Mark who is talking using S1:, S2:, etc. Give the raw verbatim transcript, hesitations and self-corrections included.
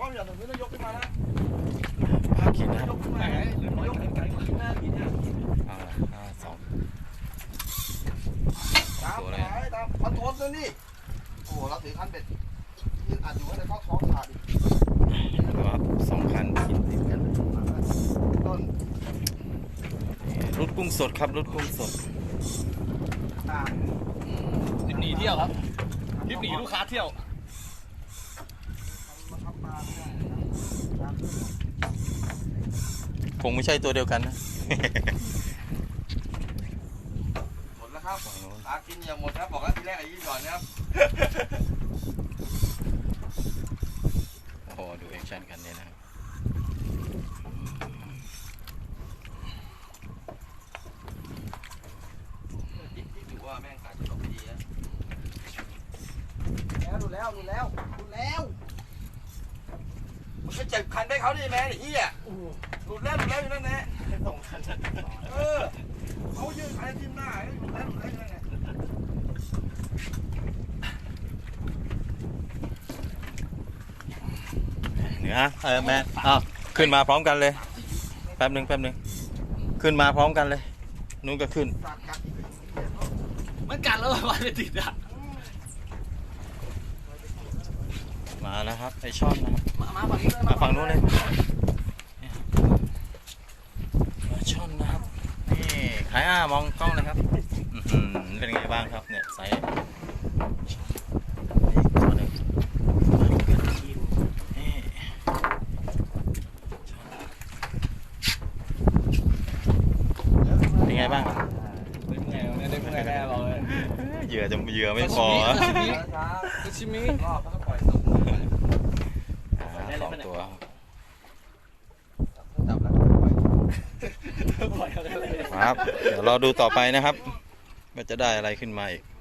S1: ล้องอย่าถึงไม่ยกขึ้นมานะ
S2: ภาพขีดนะครับ
S1: ยกขึ้นมาหรือยกขึ้นมาหน้าขีดเนี่ย
S2: เอาละห้าสอง
S1: ตามสายตามพันโทนตัวนี้โอ้โหเราถือคันเบ็ดยืนอัดอยู่ให้เข้าท้องขาดอีก
S2: ครับสองคันกินติดกัน
S1: ต้น
S2: รุดกุ้งสดครับรุดกุ้งสด
S1: ตาม
S3: ทริปหนีเที่ยวครับทริปหนีลูกค้าเที่ยว
S1: มาทำปลาไม่ได้ตาม
S2: คงไม่ใช่ตัวเดียวกันนะ
S1: หมดแล้วครับปลากินอย่าหมดครับบอกแล้วทีแรกไอ้ยี่หย่อนนะครับ
S2: โอ้โหดูแอคชั่นกันเนี่ยนะครับ
S1: จิ๊บจิ๊บอยู่ว่าแม่งขาดจะตกดีนะแล้วดูแล้วดูแล้วดูแล้วมันก็เจ็บคันไปเขาดิแม่ไอ้เหี้ยหลุดแล้วหลุดแล้วอยู่นั่นแหละสองคันเออเขายืนคันจิ้มหน้าหลุดแล้วหลุดแล้วอยู่นั่นแหละ
S2: เหนือเออแมนอ้าวขึ้นมาพร้อมกันเลยแป๊บหนึ่งแป๊บหนึ่งขึ้นมาพร้อมกันเลยนู้นก็ขึ้น
S1: สัตว์กัดอีก
S3: มันกัดแล้ววันไปติดอ่ะ
S2: มาแล้วครับไอช่อนนะครับ
S3: มามาฝั่งนี้เลย
S2: มาฝั่งนู้นเลยมาช่อนนะครับนี่ขายอ้ามองกล้องเลยครับอื้อหือเป็นไงบ้างครับเนี่ยไซส์นี่ตัวหนึ่งนี่เป็นไงบ้างครับ
S3: เป็นไงเนี่ยได้เมื่อไงแน่บอกเลย
S2: เหยื่อจะเหยื่อไม่พอ
S3: ซูชิมิ
S1: รอบแล้วก็ปล่อยตก
S2: อ่าสองตัว
S1: จับแล้วก็ปล่อย
S3: ปล่อยเขาเลย
S2: ครับเดี๋ยวรอดูต่อไปนะครับว่าจะได้อะไรขึ้นมาอีก